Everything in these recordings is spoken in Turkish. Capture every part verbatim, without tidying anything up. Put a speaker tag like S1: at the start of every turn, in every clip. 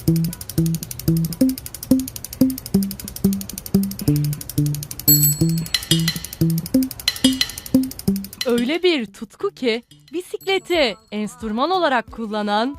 S1: Öyle bir tutku ki bisikleti enstrüman olarak kullanan,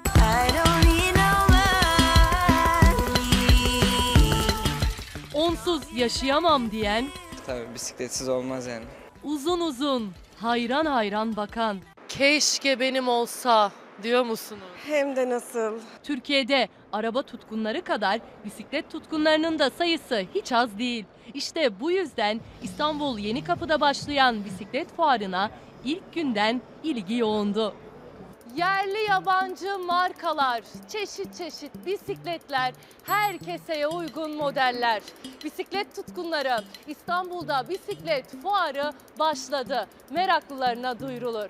S1: onsuz yaşayamam diyen,
S2: Tabii bisikletsiz olmaz yani.
S1: uzun uzun hayran hayran bakan,
S3: Keşke benim olsa diyor musunuz?
S4: Hem de nasıl?
S1: Türkiye'de araba tutkunları kadar bisiklet tutkunlarının da sayısı hiç az değil. İşte bu yüzden İstanbul Yenikapı'da başlayan bisiklet fuarına ilk günden ilgi yoğundu. Yerli yabancı markalar, çeşit çeşit bisikletler, her keseye uygun modeller. Bisiklet tutkunları İstanbul'da bisiklet fuarı başladı. Meraklılarına duyurulur.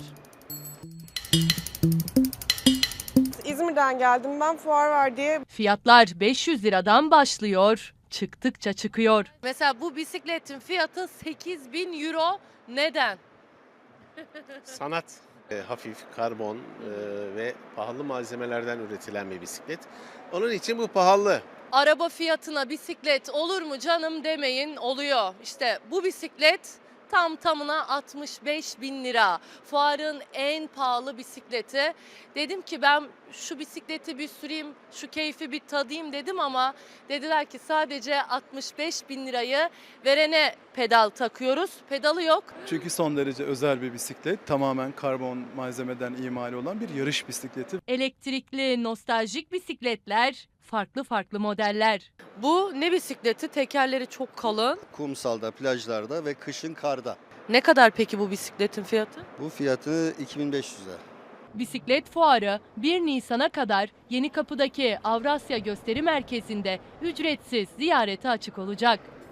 S4: İzmir'den geldim ben, fuar var diye.
S1: Fiyatlar beş yüz liradan başlıyor, çıktıkça çıkıyor.
S3: Mesela bu bisikletin fiyatı sekiz bin euro. Neden?
S5: Sanat, e, hafif, karbon e, ve pahalı malzemelerden üretilen bir bisiklet. Onun için bu pahalı.
S3: Araba fiyatına bisiklet olur mu canım demeyin, oluyor. İşte bu bisiklet tam tamına altmış beş bin lira. Fuarın en pahalı bisikleti. Dedim ki ben şu bisikleti bir süreyim, şu keyfi bir tadayım dedim ama dediler ki sadece altmış beş bin lirayı verene pedal takıyoruz. Pedalı yok.
S6: Çünkü son derece özel bir bisiklet. Tamamen karbon malzemeden imal olan bir yarış bisikleti.
S1: Elektrikli, nostaljik bisikletler, farklı farklı modeller.
S3: Bu ne bisikleti? Tekerleri çok kalın.
S7: Kumsalda, plajlarda ve kışın karda.
S3: Ne kadar peki bu bisikletin fiyatı?
S7: Bu fiyatı iki bin beş yüz lira.
S1: Bisiklet fuarı bir Nisan'a kadar Yenikapı'daki Avrasya Gösteri Merkezi'nde ücretsiz ziyarete açık olacak.